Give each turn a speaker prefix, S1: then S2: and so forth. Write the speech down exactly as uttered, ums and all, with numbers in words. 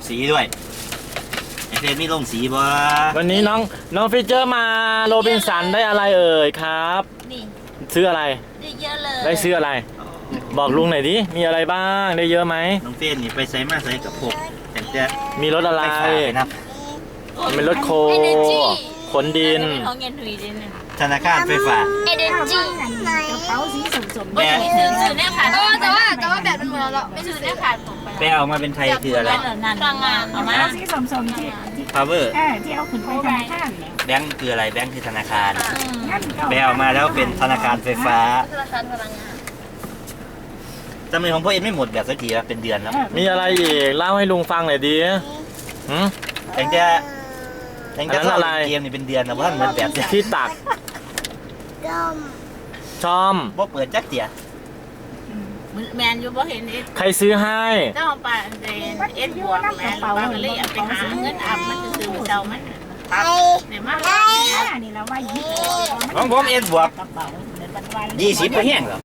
S1: สีด้วยไอเฟนมีลงสีบ่
S2: วันนี้น้องน้องฟิเจอร์มาโรบินสันได้อะไรเอ่ยครับ
S3: นี่
S2: ซื้ออะไร
S3: ได้เยอะเลย
S2: ได้ซื้ออะไรบอกลุงหน่อยดิมีอะไรบ้างได้เยอะไหม
S1: น้องเฟนนี่ไปใส่มาใส่กับพวกแต่จะ
S2: มีรถอะไร
S1: นะ
S2: เป็นรถโคขนดิน
S3: ของเงินถุยดิน
S1: ธนาคารไฟฟ้า
S3: เอเดนจี
S4: กระเป๋าสีสมๆ
S3: ไม่ซื้อซื้อแน่ขาดแต่ว่าแต่ว่าแบบมันเหมือนเราไม่ซื้อแน่ขาดผม
S1: ไปเอามาเป็นไทยคืออะไร
S3: พลังงานเอามา
S4: สีสมๆที่
S1: power
S4: เออที่เอาขึ้นไปธนาคารเนี่ย
S1: แบงก์คืออะไรแบงก์คือธนาคารไปเอามาแล้วเป็นธนาคารไฟฟ้า
S3: ธนาคารพลังงาน
S1: จำเป็นของพ่อเอ็นไม่หมดแบบสักทีแล้วเป็นเดือนแล้ว
S2: มีอะไรอีกเล่าให้ลุงฟังหน่อยดิหืม
S1: แต่จะแต่จะอะไรเกมนี่เป็นเดือนนะว่าเหมือนแบบ
S2: ที่ตักชอม
S1: บ่เปิดจักเตีย
S3: แมนอยู่บ่เห็นเอส
S2: ใครซื้อให้
S3: ต้องไปเอสบวกแมนปาเลยไปหาเงินอับมันซื้อเจ้ามันเดี๋ยวมา
S4: นี่เราว่ายี่
S1: ของผมเอ็นบวกยี่สิบไปแห้งเหรอ